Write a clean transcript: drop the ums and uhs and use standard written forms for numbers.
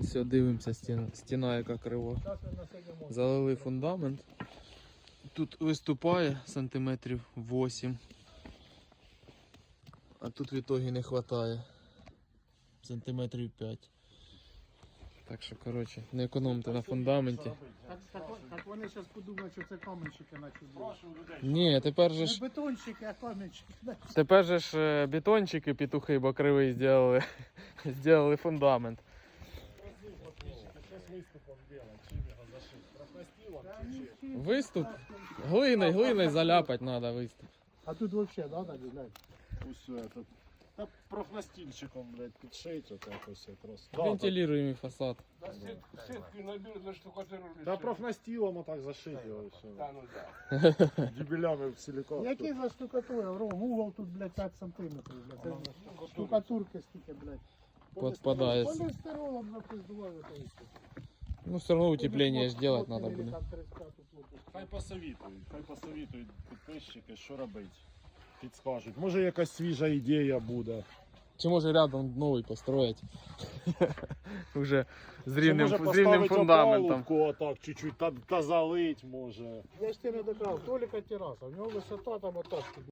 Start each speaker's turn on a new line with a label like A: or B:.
A: Все, дивимося, стіна яка крива. Залили фундамент. Тут виступає сантиметрів 8. А тут в ітогі не вистачає. Сантиметрів 5. Так що, коротше, не економте на фундаменті.
B: Так вони зараз подумають, що це каменщики наче.
A: Ні, тепер же
B: Не
A: ж...
B: бетонщики, а каменщики.
A: Тепер же ж бетончики, петухи бокривий зробили. Зробили фундамент. Виступ? Глиною заляпати треба виступ.
B: А тут взагалі, да, так, блядь?
C: Ось этот. Та профнастильчиком, блядь, підшить отак ось якраз.
A: Вентилюємо фасад.
D: Сетки наберут на штукатуру.
C: Та профнастилом отак зашить його все.
D: Да, ну да.
C: Дебілями в силікон.
B: Який за штукатура? Угол тут, блядь, 5 сантиметрів, блядь. Це штукатурки стільки, блядь.
A: Підпадає.
B: Полістиролом напиздували.
A: Ну все одно утеплення ж робити треба буде.
C: Хай посовітують підписчики, що робити. Підскажуть. Може якась свіжа ідея буде.
A: Чи може рядом новий построїть? Уже з
C: Чи
A: рівним,
C: може
A: з рівним
C: поставити
A: фундаментом.
C: опалубку отак чуть-чуть та залить може.
B: Я ж тебе не доказав, Толіка тераса, в нього висота там отак.